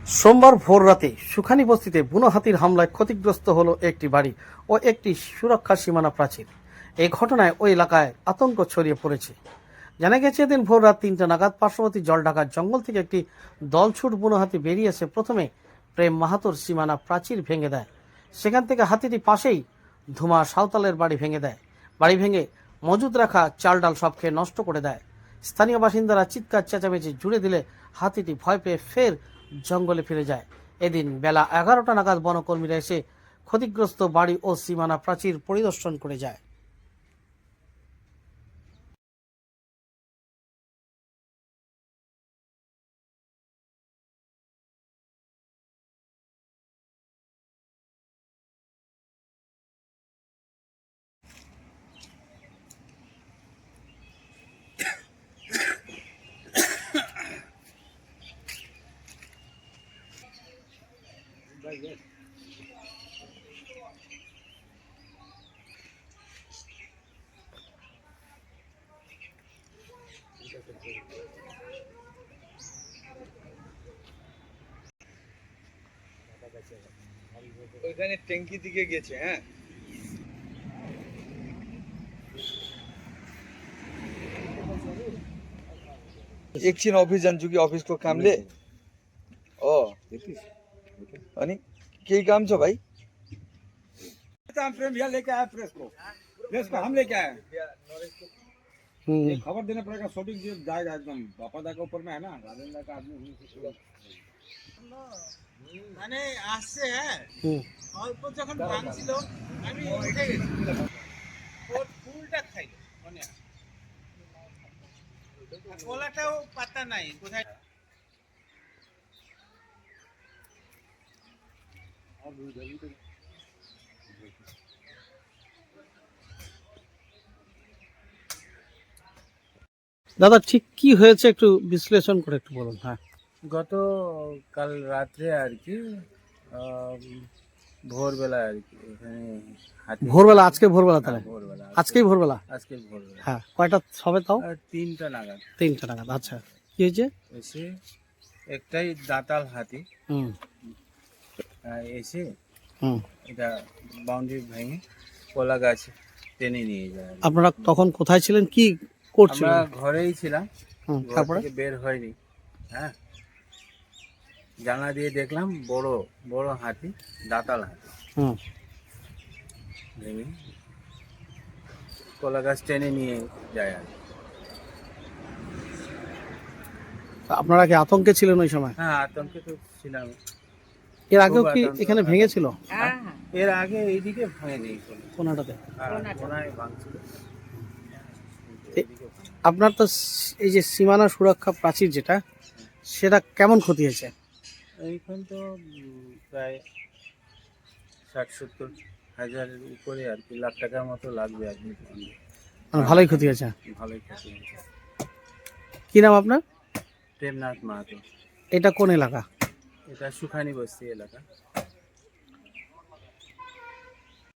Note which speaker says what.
Speaker 1: সোমবার ভোররাতে সুখানী বস্তিতে বুনো হাতির হামলায় ক্ষতিগ্রস্ত হলো একটি বাড়ি ও একটি সুরক্ষা সীমানা প্রাচীর। এই ঘটনায় ওই এলাকায় আতঙ্ক ছড়িয়ে পড়েছে। জানা গেছে, এদিন ভোর রাত 3টা নাগাদ পার্শ্ববর্তী জলঢাকার জঙ্গল থেকে একটি দলছুট বুনো হাতি বেরিয়ে এসে প্রথমে প্রেম মাহাতোর সীমানা প্রাচীর ভেঙে দেয়। সেখান থেকে হাতিটি পাশেই ধুমা সাঁওতালের বাড়ি ভেঙে দেয়। বাড়ি ভেঙে মজুদ রাখা চাল ডাল সব খেয়ে নষ্ট করে দেয়। স্থানীয় বাসিন্দারা চিৎকার চেঁচামেচি জুড়ে দিলে হাতিটি ভয় পেয়ে ফের জঙ্গলে ফিরে যায়। এদিন বেলা 11টা নাগাদ বনকর্মীরা এসে ক্ষতিগ্রস্ত বাড়ি ও সীমানা প্রাচীর পরিদর্শন করে যায়।
Speaker 2: ওইখানে ট্যাঙ্কি দিকে গেছে। হ্যাঁ, एक छिन ऑफिस जान्छु कि अफिसको कामले। अनि केही काम छ भाइ?
Speaker 3: प्रेम भैया लेके आया प्रेस को हम लेके आए। खबर देना पड़ेगा, शूटिंग जाएगा एकदम बापादा के ऊपर में है ना, राजेंद्र का आदमी মানে আসছে। হ্যাঁ, অল্প যখন ভাঙছিল আমি উঠে গেছি, ওর ফুলটা খাইলো মনে আছে, কলাটাও পাতা নাই কোথায়।
Speaker 1: দাদা, ঠিক কি হয়েছে একটু বিশ্লেষণ করে একটু বলুন। হ্যাঁ,
Speaker 4: গত কাল রাত্রে আর কি ভোরবেলা আর কি এখানে হাতি
Speaker 1: ভোরবেলা, আজকে ভোরবেলা তাহলে?
Speaker 4: ভোরবেলা
Speaker 1: আজকেই ভোরবেলা?
Speaker 4: আজকে ভোরবেলা।
Speaker 1: হ্যাঁ, কয়টা হবে তাও?
Speaker 4: 3টা নাগাদ।
Speaker 1: 3টা নাগাদ। আচ্ছা, কি হয়েছে?
Speaker 4: এসে একটাই দাঁতাল হাতি
Speaker 1: হুম
Speaker 4: এসে
Speaker 1: হুম
Speaker 4: এটা বাউন্ডারি ভেঙে কলা গাছ টেনে নিয়ে যায়।
Speaker 1: আপনারা তখন কোথায় ছিলেন, কি করছিলেন?
Speaker 4: আমরা ঘরেই ছিলাম, ঘর
Speaker 1: তারপরে
Speaker 4: থেকে বের হয়নি। হ্যাঁ, জানলা দিয়ে দেখলাম বড় বড় হাতি, দাঁতাল হাতি
Speaker 1: হুম
Speaker 4: ভেঙে কলা গাছ টেনে নিয়ে যায় আর কি।
Speaker 1: আপনারা কি আতঙ্কে ছিলেন ওই সময়?
Speaker 4: হ্যাঁ, আতঙ্কে তো ছিলাম।
Speaker 1: এর আগেও কি
Speaker 4: খুব আতঙ্ক।
Speaker 1: এখানে ভেঙেছিল?
Speaker 4: এর আগে এইদিকে ভেঙে দিয়েছিল,
Speaker 1: কোনাটাতে?
Speaker 4: কোনায় ভাঙছিল।
Speaker 1: আপনার তো এই যে সীমানা সুরক্ষা প্রাচীর যেটা, সেটা কেমন ক্ষতি হয়েছে?
Speaker 4: এইখান তো প্রায় 60-70 হাজারের উপরে আর কি, লাখ টাকার মতো লাগবে আর কি।
Speaker 1: মানে ভালোই ক্ষতি হয়েছে?
Speaker 4: ভালোই ক্ষতি হয়েছে।
Speaker 1: কি নাম আপনার?
Speaker 4: প্রেমনাথ মাহাতো।
Speaker 1: এটা কোন এলাকা?
Speaker 4: এটা সুখানী বস্তি এলাকা।